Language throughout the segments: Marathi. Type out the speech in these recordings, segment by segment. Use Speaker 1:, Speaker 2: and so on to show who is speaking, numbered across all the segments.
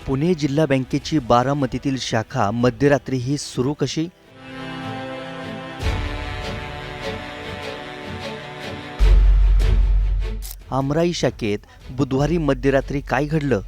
Speaker 1: पुणे जिल्हा बँकेची बारामतीतील शाखा मध्यरात्री ही सुरू कशी? आमराई शाखेत बुधवारी मध्यरात्री काय घडलं?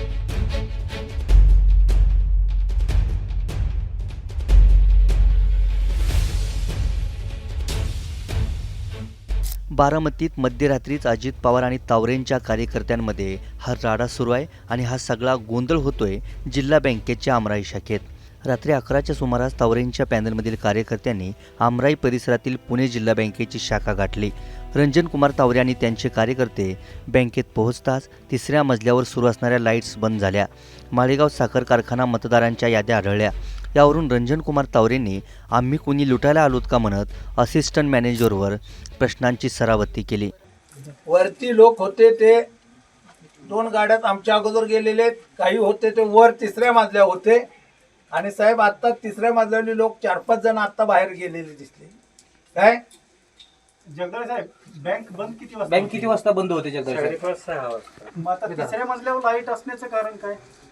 Speaker 1: बारामतीत मध्यरात्रीच अजित पवार आणि तावरेंच्या कार्यकर्त्यांमध्ये हा राडा सुरू आहे आणि हा सगळा गोंधळ होतोय जिल्हा बँकेच्या आमराई शाखेत. रात्री 11च्या सुमारास तावरेंच्या पॅनलमधील कार्यकर्त्यांनी आमराई परिसरातील पुणे जिल्हा बँकेची शाखा गाठली. रंजन कुमार तावरे आणि त्यांचे कार्यकर्ते बँकेत पोहोचताच तिसऱ्या मजल्यावर सुरू असणाऱ्या लाईट्स बंद झाल्या. माळेगाव साखर कारखाना मतदारांच्या याद्या आढळल्या. यावरून रंजन कुमार तावरेंनी आम्ही कोणी लुटायला आलोत का म्हणत असिस्टंट मॅनेजरवर प्रश्नांची सरावती केली.
Speaker 2: वरती लोक होते ते 2 गाड्यात आमच्या अगोदर गेलेले, काही होते ते वर 3ऱ्या मजल्यावर होते. आणि साहेब आता 3ऱ्या मजल्यावरली लोक 4-5 जण आता बाहेर गेलेले दिसले. काय
Speaker 3: जगदाळे साहेब, बँक किती वाजता बंद होते जगदाळे साहेब?
Speaker 4: 5:30 वाजता.
Speaker 3: मग आता 3ऱ्या मजल्यावर लाईट असण्याचं कारण काय?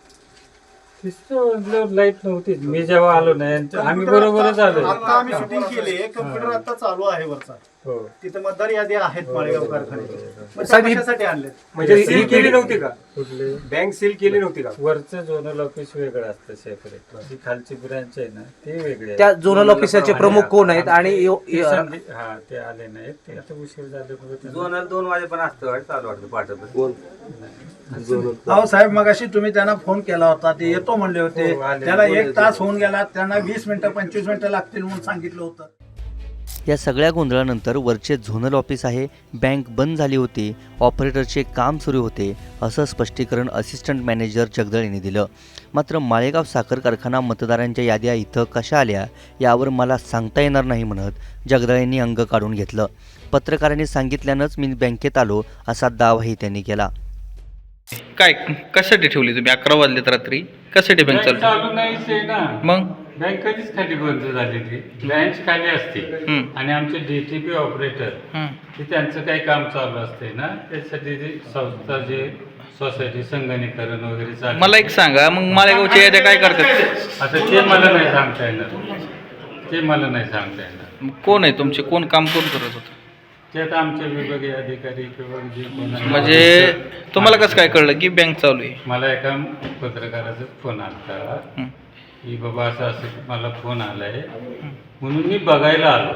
Speaker 4: लाईट नव्हती मी जेव्हा आलो नाही, आम्ही बरोबरच आलो.
Speaker 3: आता आम्ही शूटिंग केली, कम्प्युटर आता चालू आहे वरचा.
Speaker 4: हो.
Speaker 3: तिथे मतदार यादी आहेत माळेगाव कारखान्याची. मग
Speaker 5: साहेब,
Speaker 3: कशासाठी आणले?
Speaker 5: म्हणजे सील केली नव्हती का?
Speaker 4: कुठले
Speaker 5: बँक सील केली नव्हती का?
Speaker 4: वरचं झोनल ऑफिस वेगळं असतं सेपरेट, जी खालची ब्रांच आहे ना ते वेगळे
Speaker 5: त्या झोनल ऑफिसरचे प्रमुख कोण आहेत आणि
Speaker 4: हा ते आले नाहीत. ते आता उशीर झाले.
Speaker 6: झोनल 2 वाजेपर्यंत असतं चालू वाटतं पाठवतं.
Speaker 2: अहो साहेब, मगाशी तुम्ही त्यांना फोन केला होता, ते येतो म्हणले होते.
Speaker 4: हो, आले.
Speaker 2: त्याला 1 तास होऊन गेला, त्यांना 20 मिनिटं 25 मिनिटं लागतील म्हणून सांगितलं होतं.
Speaker 1: या सगळ्या गोंधळानंतर वरचे झोनल ऑफिस आहे, बँक बंद झाली होती, ऑपरेटरचे काम सुरू होते असं स्पष्टीकरण असिस्टंट मॅनेजर जगदाळेंनी दिलं. मात्र माळेगाव साखर कारखाना मतदारांच्या याद्या इथं कशा आल्या यावर मला सांगता येणार नाही म्हणत जगदाळेंनी अंग काढून घेतलं. पत्रकारांनी सांगितल्यानंच मी बँकेत आलो असा दावाही त्यांनी केला.
Speaker 7: काय कशासाठी ठेवली तुम्ही? 11 वाजलेत रात्री, कशासाठी बँक चालू?
Speaker 4: चालू नाहीच आहे ना.
Speaker 7: मग
Speaker 4: बँक कधीच खाली बंद झालेली, ब्रँच खाली असते. आणि आमचे डीटीपी ऑपरेटर ते त्यांचं काही काम चालू असते ना, त्यासाठी ते संस्था जे सोसायटी संगणकीकरण वगैरे चालू.
Speaker 7: मला एक सांगा, मग माळेगावच्या याद्या काय करतात?
Speaker 4: आता ते मला नाही सांगता येणार, ते मला नाही सांगता येणार.
Speaker 7: मग कोण आहे तुमचे? कोण काम कोण करत होतं?
Speaker 4: ते आता आमचे विभागीय अधिकारी किंवा जे कोण आहे.
Speaker 7: म्हणजे तुम्हाला कसं काय कळलं की बँक चालू आहे?
Speaker 4: मला एका पत्रकाराचा फोन आला की बाबा असं असं मला फोन आलाय म्हणून मी बघायला आलो.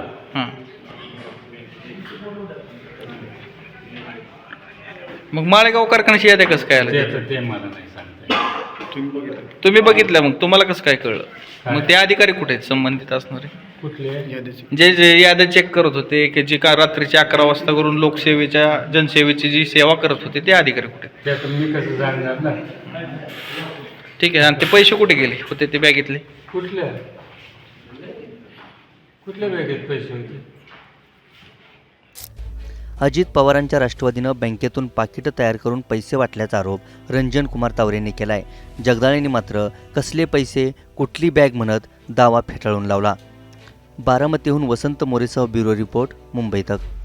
Speaker 7: मग माळेगाव कारखान्याची याद्या कसं काय आल्या?
Speaker 4: ते मला नाही सांगता येणार.
Speaker 7: तुम्ही बघितल्या, मग तुम्हाला कसं काय कळलं? मग ते अधिकारी कुठे आहेत संबंधित असणारे?
Speaker 4: कुठले?
Speaker 7: जे जे याद्या चेक करत होते की जे का रात्रीचे 11 वाजता करून लोकसेवेच्या जनसेवेची जी सेवा करत होते ते अधिकारी कुठे आहेत?
Speaker 4: ते आता मी कसं जाणणार ना.
Speaker 7: ठीक आहे. आणि ते पैसे कुठे गेले होते ते बँकेतले?
Speaker 4: कुठल्या बँकेत पैसे होते?
Speaker 1: अजित पवारांच्या राष्ट्रवादीनं बँकेतून पाकिटं तयार करून पैसे वाटल्याचा आरोप रंजन कुमार तावरेंनी केलाय. जगदाळेंनी मात्र कसले पैसे, कुठली बॅग म्हणत दावा फेटाळून लावला. बारामतीहून वसंत मोरेसह ब्युरो रिपोर्ट, मुंबई तक.